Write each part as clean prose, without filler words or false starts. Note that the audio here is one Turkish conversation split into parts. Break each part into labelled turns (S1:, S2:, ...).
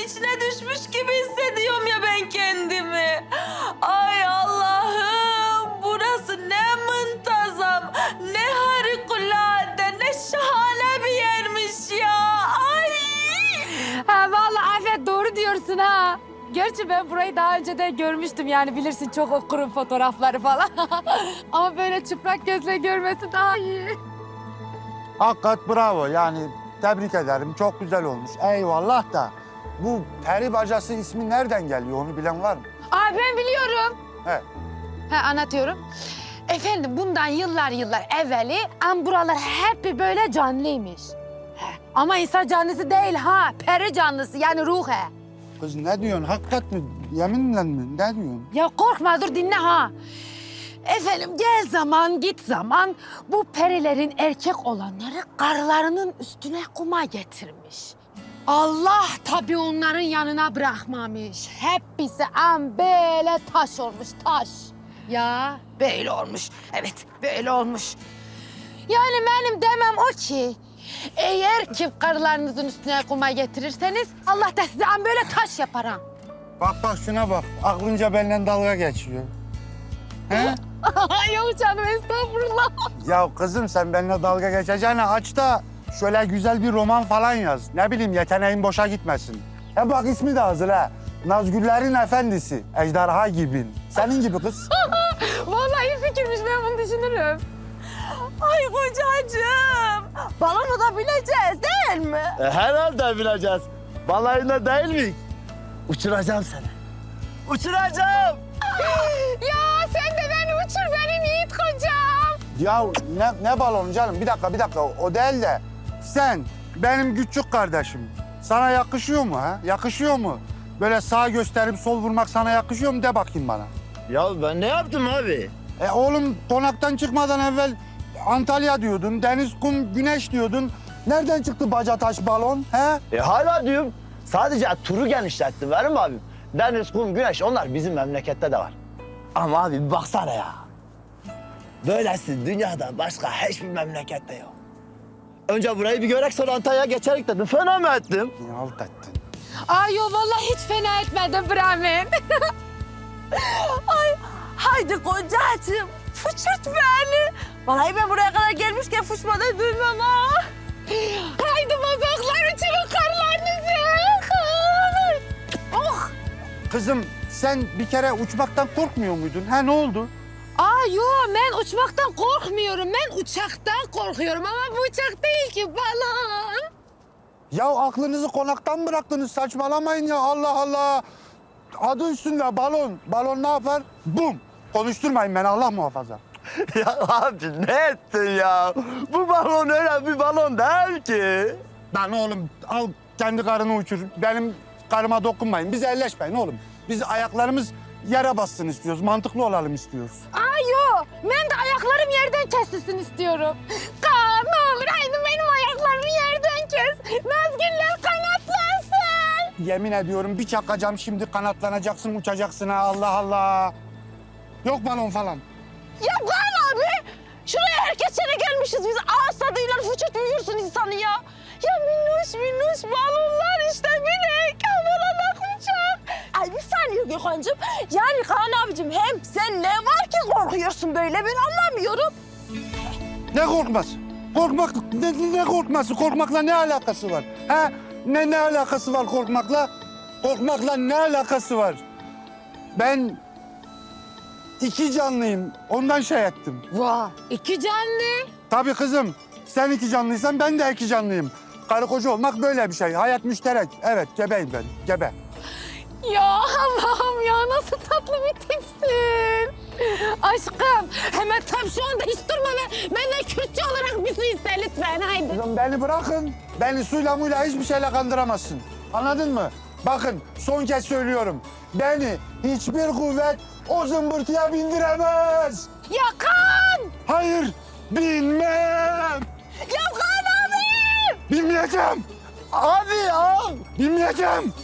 S1: içine düşmüş gibi hissediyorum ya ben kendimi. Ay Allah'ım, burası ne muntazam, ne harikulade, ne şahane bir yermiş ya. Ay!
S2: Ha vallahi Afet doğru diyorsun ha. Gerçi ben burayı daha önce de görmüştüm yani bilirsin çok okurum fotoğrafları falan. Ama böyle çıplak gözle görmesi daha iyi.
S3: Hakikat bravo yani tebrik ederim çok güzel olmuş. Eyvallah da bu peri bacası ismi nereden geliyor onu bilen var mı?
S2: Aa ben biliyorum.
S3: He.
S2: Anlatıyorum. Efendim bundan yıllar evveli buralar hep bir böyle canlıymış. Ama insan canlısı değil ha, peri canlısı yani ruh he.
S3: Kız ne diyorsun hakikat mi yeminle mi ne diyorsun?
S2: Ya korkma dur dinle ha. Efendim gel zaman git zaman bu perilerin erkek olanları karılarının üstüne kuma getirmiş. Allah tabii onların yanına bırakmamış. Hepsi böyle taş olmuş taş. Ya böyle olmuş. Evet böyle olmuş. Yani benim demem o ki eğer ki karılarınızın üstüne kuma getirirseniz Allah da size böyle taş yapar ha.
S3: Bak şuna bak aklınca benimle dalga geçiyor. He?
S2: Yok canım estağfurullah.
S3: Ya kızım sen benimle dalga geçeceğine aç da şöyle güzel bir roman falan yaz. Ne bileyim yeteneğin boşa gitmesin. He bak ismi de hazır ha. Nazgüllerin Efendisi, ejderha gibi. Senin gibi kız.
S2: Vallahi iyi fikirmiş ben bunu düşünürüm.
S1: Ay kocacığım, balonu da bineceğiz değil mi?
S4: Herhalde bileceğiz. Balayına değil mi? Uçuracağım seni. Uçuracağım.
S2: Ya sen de beni uçur benim yiğit kocam.
S3: Ya ne balonu canım? Bir dakika. O değil de sen benim küçük kardeşim. Sana yakışıyor mu ha? Yakışıyor mu? Böyle sağ gösterip sol vurmak sana yakışıyor mu? De bakayım bana.
S4: Ya ben ne yaptım abi?
S3: Oğlum konaktan çıkmadan evvel Antalya diyordun, deniz, kum, güneş diyordun. Nereden çıktı baca taş balon he?
S4: Hala diyorum. Sadece turu genişlettim verim abim. Deniz, kum, güneş onlar bizim memlekette de var. Ama abi bir baksana ya. Böylesi dünyada başka hiçbir memlekette yok. Önce burayı bir görek sonra Antalya'ya geçerek dedim. Fena mı ettim?
S3: Ne halt ettin?
S2: Ay yo vallahi hiç fena etmedim Brahmin.
S1: Ay haydi kocacığım, fıçırt beni. Vallahi ben buraya kadar gelmişken fıçmadan duymam ha.
S2: Haydi bozoklar uçurun karlarınızı. Oh.
S3: Kızım sen bir kere uçmaktan korkmuyor muydun? Ha ne oldu?
S2: Yo ben uçmaktan korkmuyorum. Ben uçaktan korkuyorum ama bu uçak değil ki balon.
S3: Ya aklınızı konaktan bıraktınız saçmalamayın ya Allah Allah. Adı üstünde balon. Balon ne yapar? Bum. Konuşturmayın beni Allah muhafaza.
S4: Ya abi ne ettin ya? Bu balon öyle bir balon değil ki.
S3: Lan oğlum al kendi karını uçur. Benim karıma dokunmayın. Biz elleşmeyin oğlum. Biz ayaklarımız yere bassın istiyoruz. Mantıklı olalım istiyoruz.
S2: Yo ben de ayaklarım yerden kesilsin istiyorum. Kaan ne olur haydi benim ayaklarımı yerden kes. Nazgüller kanatlansın.
S3: Yemin ediyorum bir çakacağım şimdi kanatlanacaksın uçacaksın ha Allah Allah. Yok balon falan.
S1: Ya Kaan abi, şuraya herkes sene gelmişiz biz. Ağız tadıyla fıçırt büyürsün insanı ya. Ya minnoş balonlar işte minik. Havalanak uçak. Ay bir saniye Gökhan'cığım. Yani Kaan abicim hem sen ne var ki korkuyorsun böyle ben anlamıyorum.
S3: Ne korkması? Ne korkması? Korkmakla ne alakası var? Ha? Ne alakası var korkmakla? Korkmakla ne alakası var? Ben iki canlıyım. Ondan şey ettim.
S2: Vay iki canlı.
S3: Tabii kızım. Sen iki canlıysan ben de iki canlıyım. Karı koca olmak böyle bir şey. Hayat müşterek. Evet gebeyim ben. Gebe.
S2: Ya Allah'ım ya nasıl tatlı bir tipsin. Aşkım hemen tam şu anda hiç durma ve benden Kürtçe olarak bir su iste lütfen haydi.
S3: Kızım beni bırakın. Beni suyla muyla hiçbir şeyle kandıramazsın. Anladın mı? Bakın son kez söylüyorum. Beni hiçbir kuvvet o zımbırtıya bindiremez.
S2: Ya Kaan!
S3: Hayır, binmem.
S1: Ya Kaan abi!
S3: Binmeyeceğim.
S4: Abi ya.
S3: Binmeyeceğim.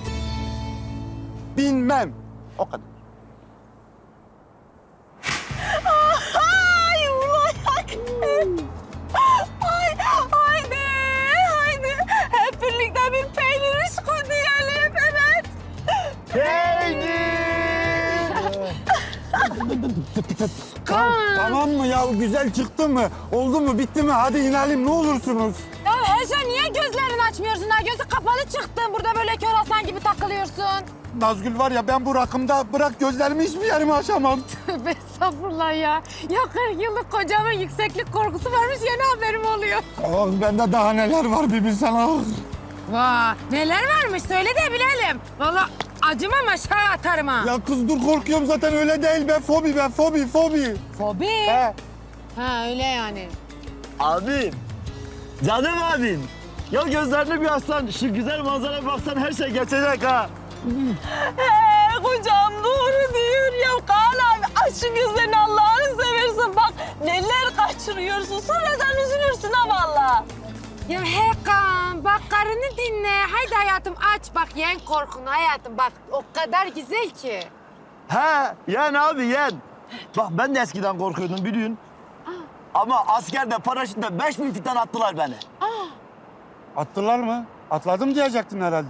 S3: Binmem. O kadar.
S1: Ay ulan! Ay haydi hep birlikte bir peynir aşkı diyelim.
S3: Tamam mı ya? Güzel çıktı mı? Oldu mu? Bitti mi? Hadi inelim ne olursunuz.
S2: Ya Ece niye gözlerini açmıyorsun ha? Gözü kapalı çıktın. Burada böyle kör aslan gibi takılıyorsun.
S3: Nazgül var ya ben bu rakımda bırak gözlerimi hiçbir yerime açamam.
S2: Tövbe estağfurullah ya. Ya 40 yıllık kocamın yükseklik korkusu varmış yeni haberim oluyor.
S3: Ah bende daha neler var bir bilsen ah.
S2: Vay neler varmış söyle de bilelim. Vallahi acımam aşağı atarım ha.
S3: Ya kız dur korkuyorum zaten öyle değil be. Fobi be fobi.
S2: Fobi.
S3: He.
S2: Ha öyle yani.
S4: Abim, canım abim. Ya gözlerine bir aslan, şu güzel manzaraya baksan her şey geçecek ha.
S1: He kocam doğru diyor ya. Kaan abi aç şu gözlerini Allah'ını seversen. Bak neler kaçırıyorsun. Sonradan üzülürsün ha valla.
S2: Ya Hakan bak karını dinle. Haydi hayatım aç bak yen korkunu hayatım bak o kadar güzel ki.
S4: He, yen abi yen. Bak ben de eskiden korkuyordum biliyorsun. Ama askerde paraşütle 5000 fitten attılar beni.
S3: Attılar mı? Atladım diyecektin herhalde.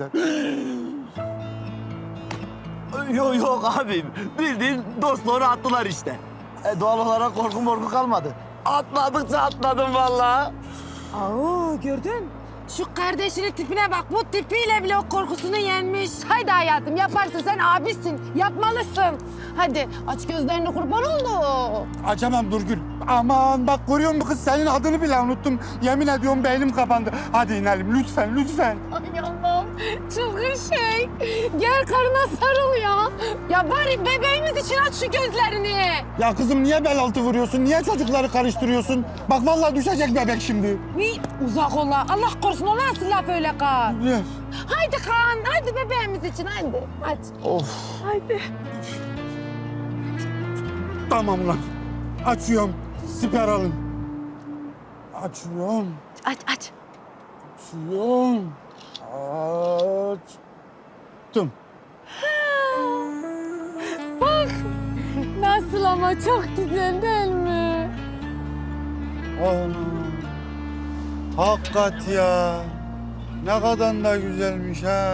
S4: Yok abim. Bildiğin dostları attılar işte. Doğal olarak korku kalmadı. Atladıkça atladım vallahi.
S2: Aa gördün? Şu kardeşinin tipine bak. Bu tipiyle bile o korkusunu yenmiş. Haydi hayatım yaparsın sen abisin. Yapmalısın. Hadi aç gözlerini kurban oldu.
S3: Açamam Durgül. Aman bak görüyor musun kız senin adını bile unuttum. Yemin ediyorum beynim kapandı. Hadi inelim lütfen.
S2: Ay Allah'ım çılgın şey. Gel karına sarıl ya. Ya bari bebeğimiz için aç şu gözlerini.
S3: Ya kızım niye bel altı vuruyorsun? Niye çocukları karıştırıyorsun? Bak vallahi düşecek bebek şimdi.
S2: Uzak ola. Allah korusun o nasıl laf öyle Kaan? Haydi Kaan, haydi bebeğimiz için haydi. Aç.
S4: Of.
S2: Haydi.
S3: Tamam lan. Açıyorum. Siper alın. Açıyorum.
S2: Aç.
S3: Açıyorum. Açtım.
S2: Bak. Nasıl ama çok güzel değil mi?
S3: Ana. Hakikat ya. Ne kadar da güzelmiş ha.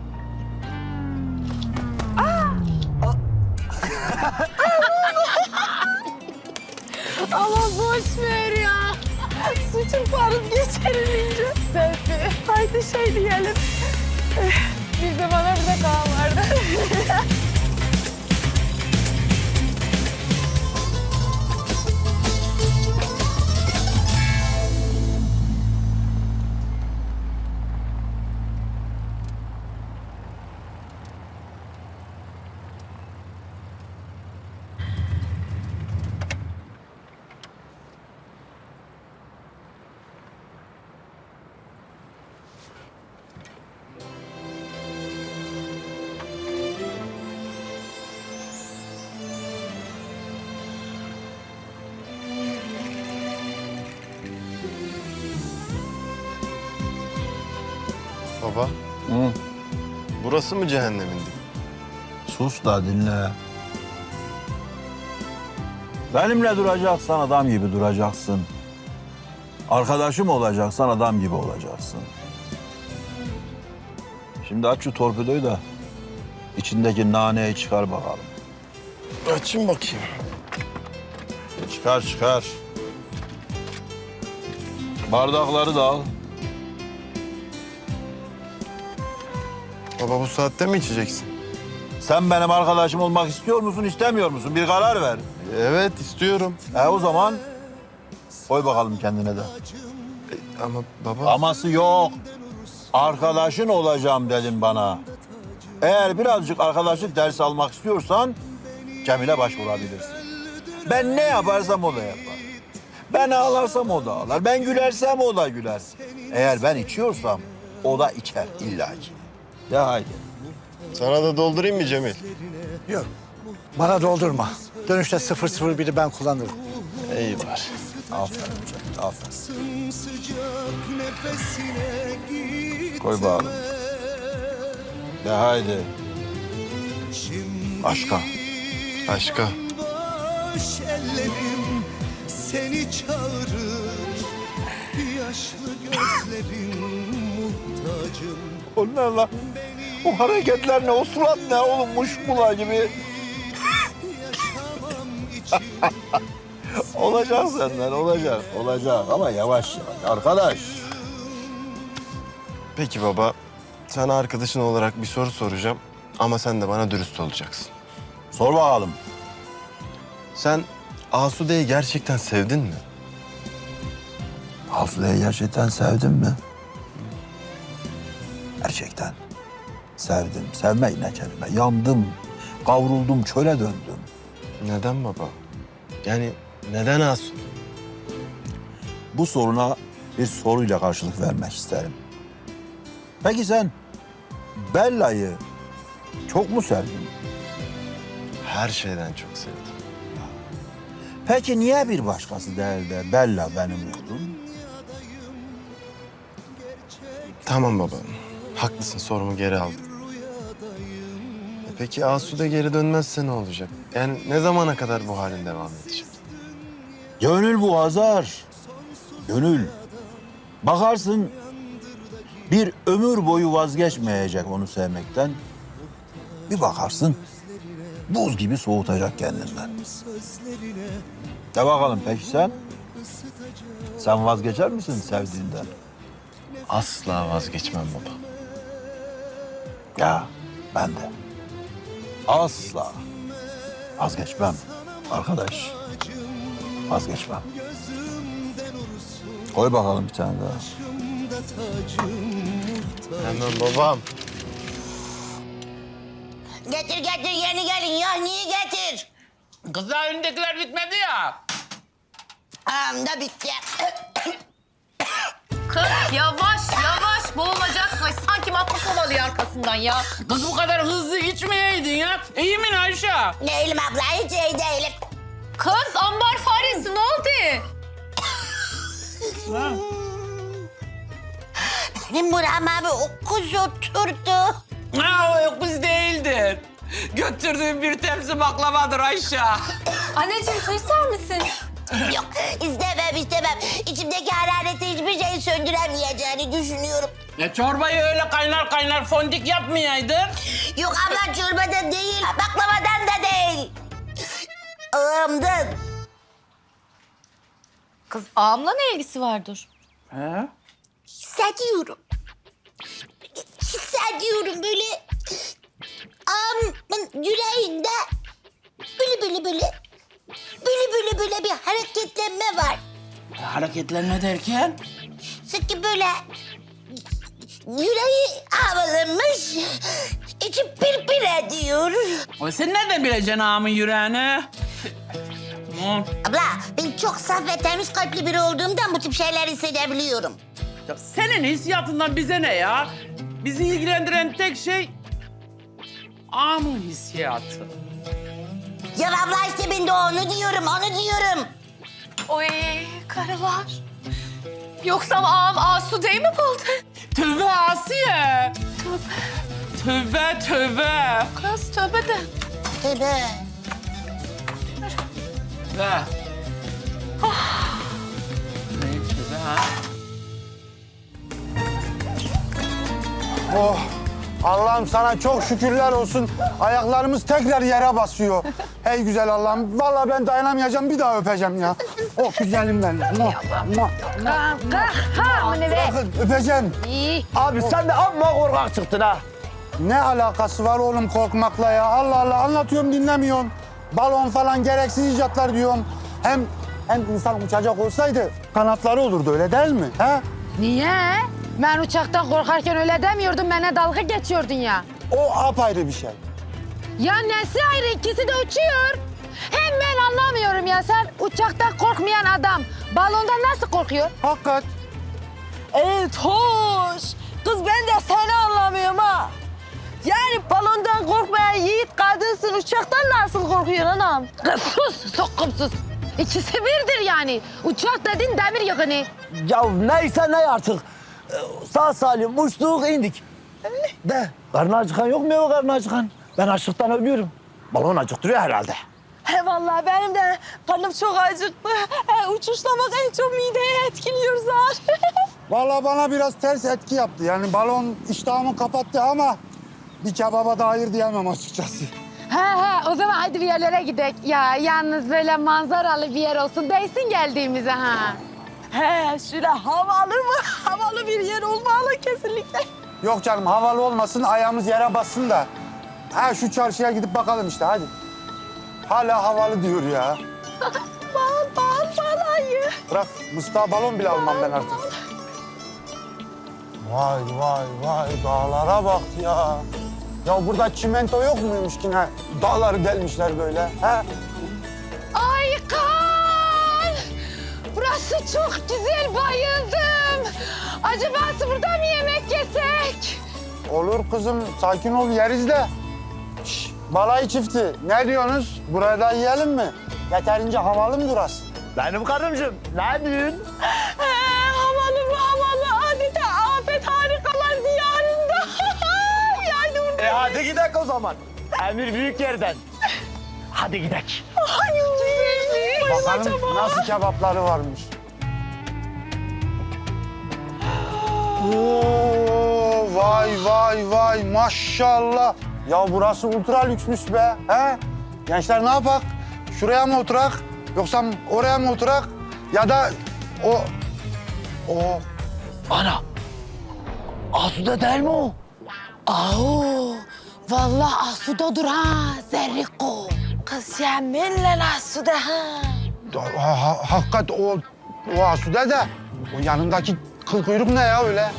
S2: Ama boş ver ya.
S1: Su çırparız geçerilince.
S2: Selfie.
S1: Haydi şey diyelim.
S2: Bir de bana bir de Kaan vardı.
S5: Baba, burası mı cehennemin dibi?
S6: Sus da dinle. Benimle duracaksan adam gibi duracaksın. Arkadaşım olacaksan adam gibi olacaksın. Şimdi aç şu torpidoyu da içindeki naneyi çıkar bakalım.
S5: Açayım bakayım.
S6: Çıkar. Bardakları da al.
S5: Baba bu saatte mi içeceksin?
S6: Sen benim arkadaşım olmak istiyor musun, istemiyor musun? Bir karar ver.
S5: Evet istiyorum.
S6: O zaman koy bakalım kendine de.
S5: Ama baba...
S6: Aması yok. Arkadaşın olacağım dedin bana. Eğer birazcık arkadaşlık dersi almak istiyorsan Cemil'e başvurabilirsin. Ben ne yaparsam o da yapar. Ben ağlarsam o da ağlar. Ben gülersem o da güler. Eğer ben içiyorsam o da içer illaki. Ya haydi.
S5: Sana da doldurayım mı Cemil?
S7: Yok. Bana doldurma. Dönüşte 001'i ben kullanırım.
S5: İyi var.
S6: Aferin Cemil, aferin. Koy bakalım. De haydi. Başka.
S5: Başka.
S8: Boş ellerim seni çağırır. Yaşlı gözlerin muhtacım.
S6: O ne lan? O hareketler ne? O surat ne oğlum? Muşmula gibi.
S8: Yaşamam
S6: Olacak senden, olacak. Olacak ama yavaş yavaş arkadaş.
S5: Peki baba, sana arkadaşın olarak bir soru soracağım. Ama sen de bana dürüst olacaksın.
S6: Sor bakalım.
S5: Sen Asude'yi gerçekten sevdin mi?
S6: Asude'yi gerçekten sevdin mi? Gerçekten. Sevdim. Sevmek ne kelime. Yandım. Kavruldum. Çöle döndüm.
S5: Neden baba? Yani neden Asude?
S6: Bu soruna bir soruyla karşılık vermek isterim. Peki sen Bella'yı çok mu sevdin?
S5: Her şeyden çok sevdim.
S6: Peki niye bir başkası değil de Bella benim oldun?
S5: Tamam baba, haklısın, sorumu geri aldım. Peki Asude geri dönmezse ne olacak? Yani ne zamana kadar bu halin devam edecek?
S6: Gönül bu Hazar. Gönül. Bakarsın bir ömür boyu vazgeçmeyecek onu sevmekten. Bir bakarsın buz gibi soğutacak kendinden. De bakalım peki sen? Sen vazgeçer misin sevdiğinden?
S5: Asla vazgeçmem baba.
S6: Ya ben de. Asla vazgeçmem arkadaş. Vazgeçmem. Koy bakalım bir tane daha.
S5: Hemen babam.
S9: Getir getir yeni gelin ya niye getir?
S10: Kızlar önündekiler bitmedi ya.
S9: Da bitti.
S2: Kız yavaş yavaş boğulacaksın. Ay, sanki matlı kovalıyor arkasından ya.
S10: Kız bu kadar hızlı içmeyeydin ya. İyi mi Ayşe?
S9: Değilim abla hiç iyi değilim.
S2: Kız ambar faresi ne oldu?
S9: Benim burama bir okuz oturdu.
S10: Ha o kız değildir. Götürdüğüm bir tepsi baklavadır Ayşe.
S2: Anneciğim su ister misin?
S9: Yok istemem. İçimdeki harareti hiçbir şey söndüremeyeceğini düşünüyorum.
S10: Çorbayı öyle kaynar kaynar fondik yapmayaydın.
S9: Yok abla çorbadan değil, baklavadan da değil. Ağımdan.
S2: Kız ağamla ne ilgisi vardır?
S9: Hissediyorum. Hissediyorum böyle ağamın yüreğinde böyle bir hareketlenme var.
S10: Hareketlenme derken?
S9: Sanki böyle yüreği havalanmış, içi pir ediyor.
S10: O sen nereden bileceksin ağamın yüreğini?
S9: Abla ben çok saf ve temiz kalpli biri olduğumdan bu tip şeyler hissedebiliyorum.
S10: Ya senin hissiyatından bize ne ya? Bizi ilgilendiren tek şey ağamın hissiyatı.
S9: Ya abla işte ben de onu diyorum.
S2: Oy karılar. Yoksa ağam Asude'yi mi buldu?
S10: Tövbe Asiye. Tövbe.
S2: Kız tövbe de.
S9: Tövbe.
S10: Ve. Ne tövbe ha?
S3: Oh, Allah'ım sana çok şükürler olsun. Ayaklarımız tekrar yere basıyor. Hey güzel Allah'ım. Vallahi ben dayanamayacağım. Bir daha öpeceğim ya. Oh güzelim benim. Bırakın öpeceğim.
S4: Abi sen de amma korkak çıktın ha.
S3: Ne alakası var oğlum korkmakla ya? Allah Allah anlatıyorum dinlemiyorsun. Balon falan gereksiz icatlar diyorum. Hem insan uçacak olsaydı kanatları olurdu öyle değil mi? He?
S2: Niye? Ben uçaktan korkarken öyle demiyordum. Bana dalga geçiyordun ya.
S3: O apayrı bir şey.
S2: Ya nesi ayrı? İkisi de uçuyor. Hem ben anlamıyorum ya. Sen uçaktan korkmayan adam balondan nasıl korkuyor?
S3: Hakikat.
S1: Evet hoş. Kız ben de seni anlamıyorum ha. Yani balondan korkmayan yiğit kadınsın. Uçaktan nasıl korkuyorsun anam?
S2: Kız sus, sokkumsuz. İkisi birdir yani. Uçak dedin demir yakını.
S4: Ya neyse ne artık. Sağ salim uçtuk indik. De karnı acıkan yok mu ya karnı acıkan? Ben açlıktan ölüyorum. Balon acıktırıyor herhalde.
S1: He vallahi benim de karnım çok acıktı. Uçuşlamak en çok mideye etkiliyor zaten.
S3: Vallahi bana biraz ters etki yaptı. Yani balon iştahımı kapattı ama bir kebaba da hayır diyemem açıkçası.
S2: He o zaman hadi bir yerlere gidelim. Ya yalnız böyle manzaralı bir yer olsun değsin geldiğimize ha.
S1: He şöyle havalı mı? Havalı bir yer olmalı kesinlikle.
S3: Yok canım havalı olmasın ayağımız yere bassın da. Ha şu çarşıya gidip bakalım işte hadi. Hala havalı diyor ya.
S1: Bal balayı.
S3: Bırak Mustafa balon bile almam ben artık. Vay vay vay dağlara bak ya. Ya burada çimento yok muymuş ki ne? Dağları delmişler böyle. He?
S2: Ay kan! Burası çok güzel bayıldım. Acaba burada mı yemek yesek?
S3: Olur kızım sakin ol yeriz de. Şş, balayı çifti ne diyorsunuz? Buraya da yiyelim mi? Yeterince havalı mı burası?
S4: Benim karımcığım ne diyorsun?
S1: Havalı mı havalı? Adeta afet harikalar diyarında. Yani
S4: Hadi gidelim o zaman. Emir büyük yerden. Hadi gidelim.
S1: Ay güzelmiş.
S3: Bakalım nasıl kebapları varmış. Oo, vay vay vay maşallah. Ya burası ultra lüksmüş be. He? Gençler ne yapak? Şuraya mı oturak? Yoksa oraya mı oturak? Ya da o...
S4: Ana. Asude değil mi o?
S2: Aa, vallahi Asudo'dur ha Zerriko. Kız yeminle Asude ha.
S3: Hakikat o Asude de. O yanındaki kıl kuyruk ne ya öyle?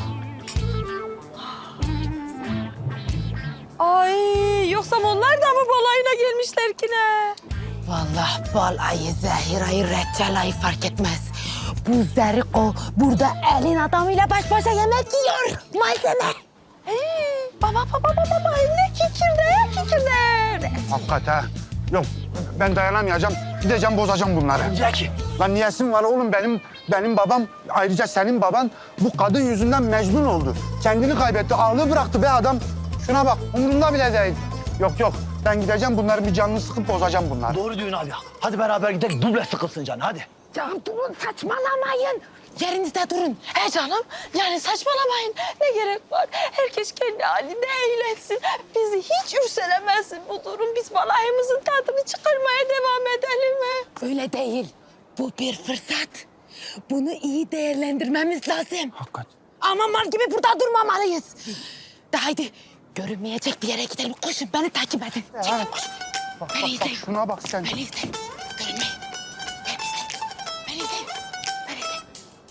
S1: Ay yoksa onlar da mı balayına gelmişler ki ne?
S2: Vallahi bal ayı, zehir ayı, reçel ayı fark etmez. Bu Zerriko burada elin adamıyla baş başa yemek yiyor. Malzeme.
S1: Baba ne kikirde.
S3: Hakikat ha. Yok ben dayanamayacağım. Gideceğim bozacağım bunları.
S4: Zeki.
S3: Lan niyesin var oğlum benim babam ayrıca senin baban bu kadın yüzünden mecnun oldu. Kendini kaybetti, ağlı bıraktı be adam. Şuna bak umurumda bile değil. Yok ben gideceğim bunları bir canını sıkıp bozacağım bunları.
S4: Doğru diyorsun abi ya. Hadi beraber gidelim duble sıkılsın can hadi.
S2: Ya durun saçmalamayın. Yerinizde durun.
S1: He canım yani saçmalamayın. Ne gerek var? Herkes kendi halinde eğlensin. Bizi hiç ürselemesin bu durum. Biz balayımızın tadını çıkarmaya devam edelim mi?
S2: Öyle değil. Bu bir fırsat. Bunu iyi değerlendirmemiz lazım.
S3: Hakikat.
S2: Ama mal gibi burada durmamalıyız. De haydi görünmeyecek bir yere gidelim. Koşun beni takip edin. Çekil koşun.
S3: Bak,
S2: Beni izleyin.
S3: şuna bak sen.
S2: Beni izleyin. Görünmeyin. Beni izleyin. Beni izleyin. Beni izleyin.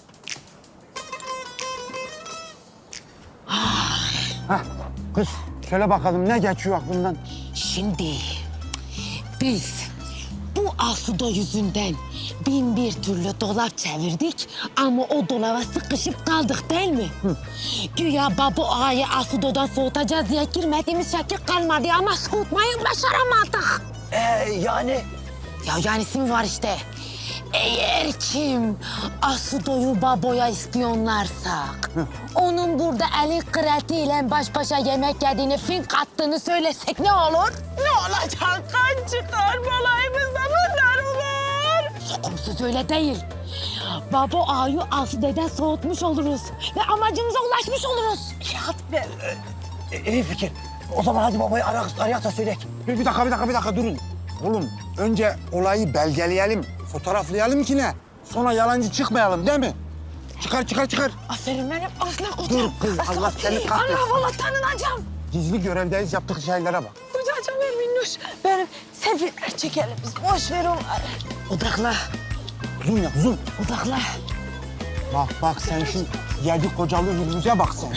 S3: Hah, kız söyle bakalım ne geçiyor aklından?
S2: Şimdi biz bu Asudo yüzünden bin bir türlü dolap çevirdik ama o dolaba sıkışıp kaldık değil mi? Güya Babu Ağa'yı Asudo'dan soğutacağız diye girmediğimiz şekil kalmadı ama soğutmayı başaramadık.
S4: Yani
S2: Ya yanisi mi var işte? Eğer kim Asudo'yu Babo'ya ispiyonlarsak, onun burada eli kratiyle baş başa yemek yediğini, fink attığını söylesek ne olur?
S1: Ne olacak? Kan çıkar balayımızda bunlar olur.
S2: Sokumsuz öyle değil. Babo Ağa'yı Asude'den soğutmuş oluruz ve amacımıza ulaşmış oluruz.
S4: iyi fikir. O zaman hadi babayı arayak da söyleyek.
S3: Bir dakika durun. Oğlum önce olayı belgeleyelim, fotoğraflayalım ki ne? Sonra yalancı çıkmayalım değil mi? Çıkar.
S2: Aferin benim aslan kocam.
S3: Dur kız, Allah seni kahretsin.
S2: Allah vallahi tanınacağım.
S3: Gizli görevdeyiz yaptık şeylere bak.
S1: Kocacığım Minnoş. Benim selfie'ler çekelim biz. Boş ver onları.
S2: Odakla,
S3: Zoom yap zoom.
S2: odakla.
S3: Bak sen şu yedi kocalı yüzüne bak sen.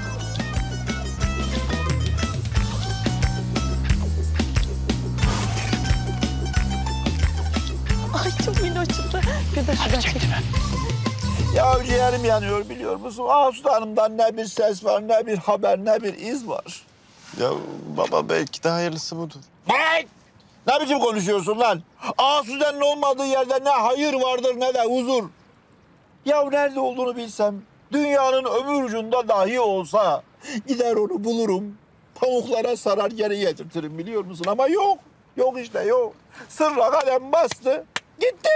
S1: Ay çok minnoşçuklar. Bir de şuradan çek.
S6: Ya ciğerim yanıyor biliyor musun? Asude Hanım'dan ne bir ses var, ne bir haber, ne bir iz var.
S5: Ya baba belki de hayırlısı budur.
S6: Hey! Ne biçim konuşuyorsun lan? Asude'nin olmadığı yerde ne hayır vardır ne de huzur. Ya nerede olduğunu bilsem, dünyanın öbür ucunda dahi olsa gider onu bulurum. Pamuklara sarar geri getirtirim biliyor musun? Ama yok. Yok işte yok. Sırla kalem bastı. Gitti.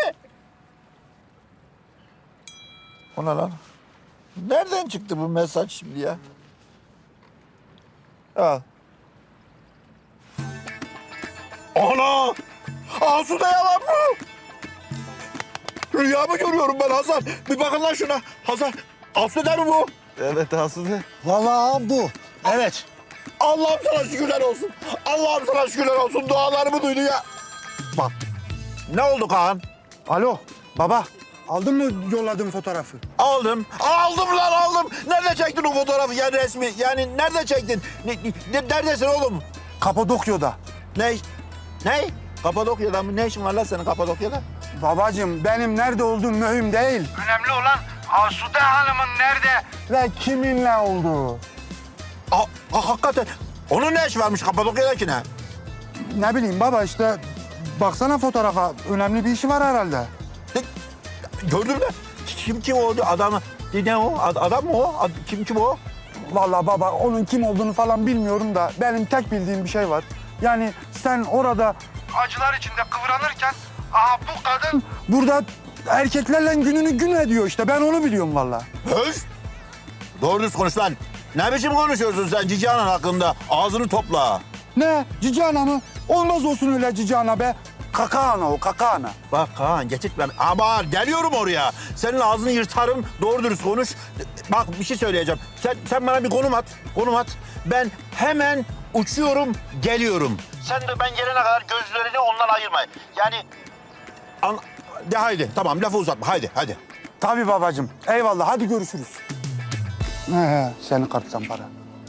S6: O ne lan? Nereden çıktı bu mesaj şimdi ya? Al. Ana! Asude yalan mı? Rüya mı görüyorum ben Hazar? Bir bakın lan şuna. Hazar, Asude mi bu?
S5: Evet Asude.
S7: Vallahi bu. Evet.
S6: Allah'ım sana şükürler olsun. Allah'ım sana şükürler olsun. Dualarımı duydu ya. Bak. Ne oldu Kaan?
S3: Alo baba, aldın mı yolladığım fotoğrafı?
S6: Aldım. Aldım lan aldım. Nerede çektin o fotoğrafı yani resmi? Yani nerede çektin? Neredesin oğlum?
S3: Kapadokya'da.
S6: Ne? Ne? Kapadokya'da mı? Ne işin var lan senin Kapadokya'da?
S3: Babacığım benim nerede olduğum mühim değil. Önemli olan Asude Hanım'ın nerede ve kiminle olduğu.
S6: Hakikaten. Onun ne işi varmış Kapadokya'dakine?
S3: Ne bileyim baba işte baksana fotoğrafa, önemli bir işi var herhalde.
S6: Gördün mü? Kim o adamı? Ne o? Adam mı o? Kim o?
S3: Vallahi baba onun kim olduğunu falan bilmiyorum da benim tek bildiğim bir şey var. Yani sen orada acılar içinde kıvranırken aha bu kadın burada erkeklerle gününü gün ediyor işte. Ben onu biliyorum vallahi.
S6: Öz! Doğru düz konuş lan. Ne biçim konuşuyorsun sen Cici Anan hakkında? Ağzını topla.
S3: Ne? Cici ana mı? Olmaz olsun öyle cici ana be. Kaka ana o, kaka ana.
S6: Bak Kaan geçit ben. Ama geliyorum oraya. Senin ağzını yırtarım. Doğru dürüst konuş. Bak bir şey söyleyeceğim. Sen bana bir konum at. Konum at. Ben hemen uçuyorum, geliyorum. Sen de ben gelene kadar gözlerini ondan ayırma. Yani... De haydi. Tamam lafı uzatma. Haydi.
S3: Tabii babacığım. Eyvallah hadi görüşürüz. Seni kartsan para.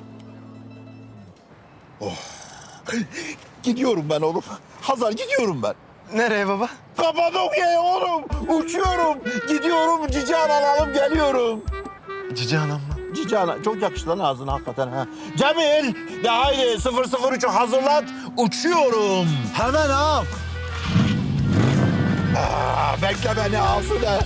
S6: Gidiyorum ben oğlum. Hazar gidiyorum ben.
S5: Nereye baba?
S6: Kapadokya'ya oğlum. Uçuyorum. Gidiyorum. Cici Anan alıp geliyorum.
S5: Cici anam mı?
S6: Cici Anan çok yakıştı lan ağzına hakikaten ha. Cemil de haydi 003'ü hazırlat. Uçuyorum.
S7: Hemen ağam.
S6: Bekle beni Asude.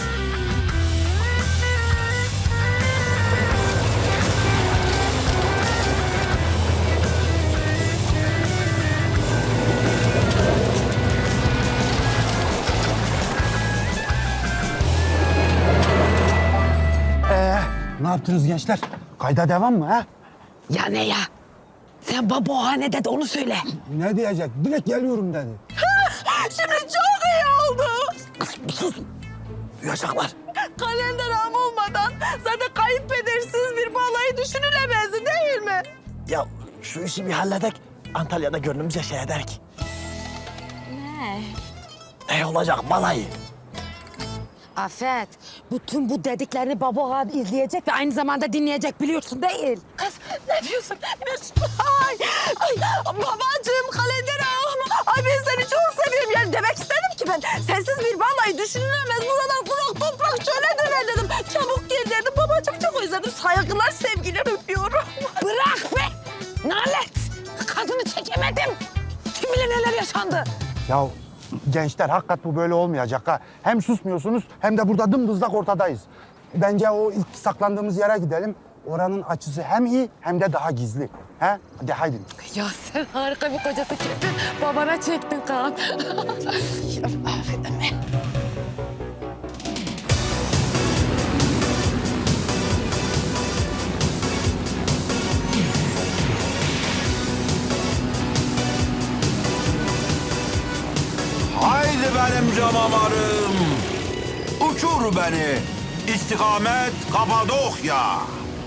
S3: Ne yaptınız gençler? Kayda devam mı ha?
S2: Ya ne ya? Sen baba o hanede de onu söyle.
S3: Ne diyecek? Direkt geliyorum dedi.
S1: Şimdi çok iyi oldu.
S3: Duyacaklar.
S1: Kalender ağam olmadan zaten kayınpedersiz bir balayı düşünülemezdi değil mi?
S4: Ya şu işi bir halledek. Antalya'da gönlümüzce şey ederek. Ne olacak balayı?
S2: Afet, bütün bu dediklerini baba izleyecek ve aynı zamanda dinleyecek biliyorsun değil.
S1: Kız ne diyorsun? Ay, babacığım kalender ağam. Ay ben seni çok seviyorum. Yani demek istedim ki ben sensiz bir balayı düşünülemez. Buralar kurak toprak şöyle döner dedim. Çabuk gel dedim. Babacığım çok özledim. Saygılar sevgiler öpüyorum.
S2: Bırak be! Nalet! Kadını çekemedim. Kim bilir neler yaşandı.
S3: Ya gençler hakikat bu böyle olmayacak ha. Hem susmuyorsunuz hem de burada dımdızlak ortadayız. Bence o ilk saklandığımız yere gidelim. Oranın açısı hem iyi hem de daha gizli. He? Hadi haydi.
S2: Ya sen harika bir kocası kesin. Babana çektin Kaan. Affedin beni.
S6: Haydi benim canavarım. Uçur beni. İstikamet Kapadokya.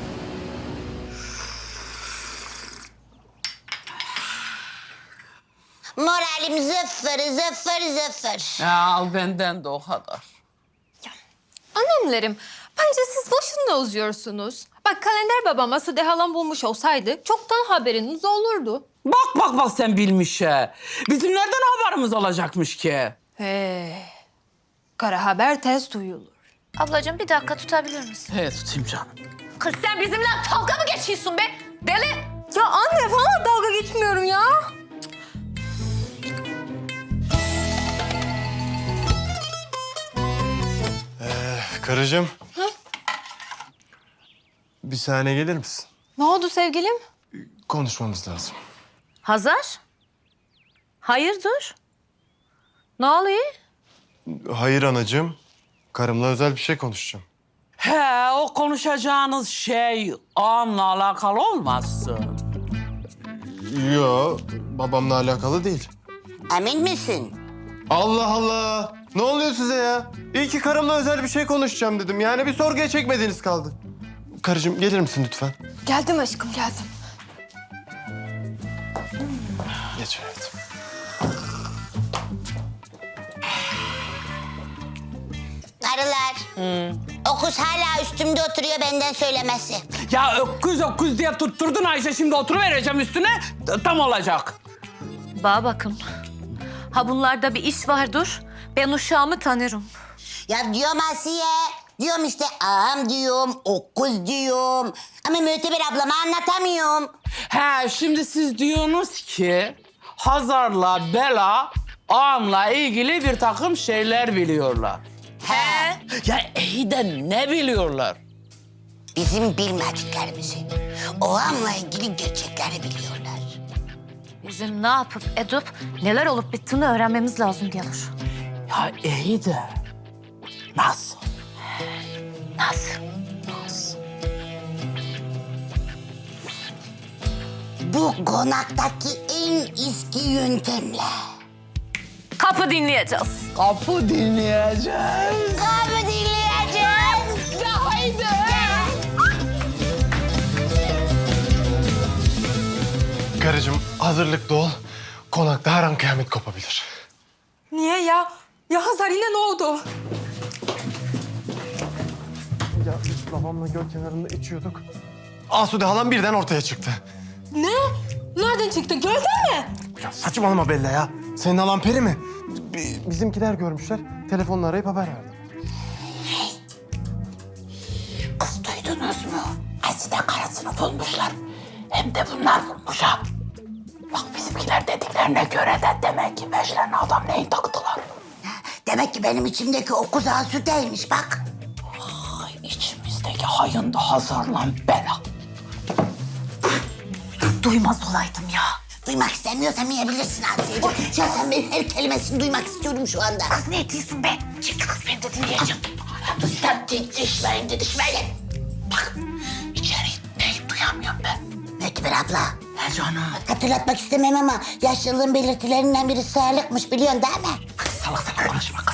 S9: Moralim zıfır.
S10: Ya al benden de o kadar.
S11: Annemlerim, bence siz boşuna uzuyorsunuz. Bak kalender babam Asude halam bulmuş olsaydı çoktan haberiniz olurdu.
S10: Bak sen bilmiş he. Bizim nereden haberimiz olacakmış ki?
S11: Kara haber tez duyulur. Ablacığım bir dakika tutabilir misin?
S10: He tutayım canım.
S11: Kız sen bizimle dalga mı geçiyorsun be? Deli! Ya anne falan dalga geçmiyorum ya.
S5: Karıcığım. Bir saniye gelir misin?
S11: Ne oldu sevgilim?
S5: Konuşmamız lazım.
S11: Hazar? Hayırdır? Ne oluyor?
S5: Hayır anacığım. Karımla özel bir şey konuşacağım.
S10: He o konuşacağınız şey ağamla alakalı olmazsın.
S5: Yo, babamla alakalı değil.
S9: Emin misin?
S5: Allah Allah. Ne oluyor size ya? İyi ki karımla özel bir şey konuşacağım dedim. Yani bir sorguya çekmediğiniz kaldı. Karıcığım gelir misin lütfen?
S11: Geldim aşkım, geldim.
S5: Geç hayatım.
S9: Karılar. O kız hala üstümde oturuyor benden söylemesi.
S10: Ya öküz diye tutturdun Ayşe, şimdi oturuvereceğim üstüne, tam olacak.
S11: Bana bakın. Ha bunlarda bir iş vardır. Ben uşağımı tanırım.
S9: Ya diyorum Asiye. Diyorum işte ağam diyorum, o kız diyorum. Ama Müteber ablama anlatamıyorum.
S10: He, şimdi siz diyorsunuz ki Hazar'la Bela ağamla ilgili bir takım şeyler biliyorlar.
S9: He.
S10: Ya iyi de ne biliyorlar?
S9: Bizim bilmediklerimizi, ağamla ilgili gerçekleri biliyorlar.
S11: Bizim ne yapıp edip neler olup bittiğini öğrenmemiz lazım gelir.
S10: Ya iyi de nasıl?
S11: Nasıl?
S9: Bu konaktaki en eski yöntemle.
S11: Kapı dinleyeceğiz.
S10: Kapı dinleyeceğiz.
S9: Kahve dinleyeceğiz. Ya haydi.
S5: Karıcığım hazırlıklı ol. Konakta her an kıyamet kopabilir.
S11: Niye ya? Ya Hazar yine ne oldu?
S5: Ya biz babamla göl kenarında içiyorduk. Asude halam birden ortaya çıktı.
S11: Ne? Nereden çıktı? Gölden mi?
S5: Ya saçmalama Bella ya. Senin halan peri mi? Bizimkiler görmüşler. Telefonla arayıp haber verdi.
S1: Kız duydunuz mu? Azide karısını bulmuşlar. Hem de bunlar bulmuş ha. Bak bizimkiler dediklerine göre de demek ki peşlerine adam neyi taktılar.
S9: Demek ki benim içimdeki o kız Asude'ymiş bak.
S1: Ay, içimizdeki hayın da Hazar'la Bela.
S9: Duymaz olaydım ya. Duymak istemiyorsan yiyebilirsin Asiye'ciğim. Ya sen benim her kelimesini duymak istiyorum şu anda. Kız ne diyorsun be? Çık kız ben de dinleyeceğim.
S1: Sen didişmeyin. Bak içeri neyi duyamıyorum ben.
S9: Müteber abla.
S1: He canım.
S9: Hatırlatmak istemem ama yaşlılığın belirtilerinden biri sağlıkmış biliyorsun değil mi?
S1: Salak konuşma.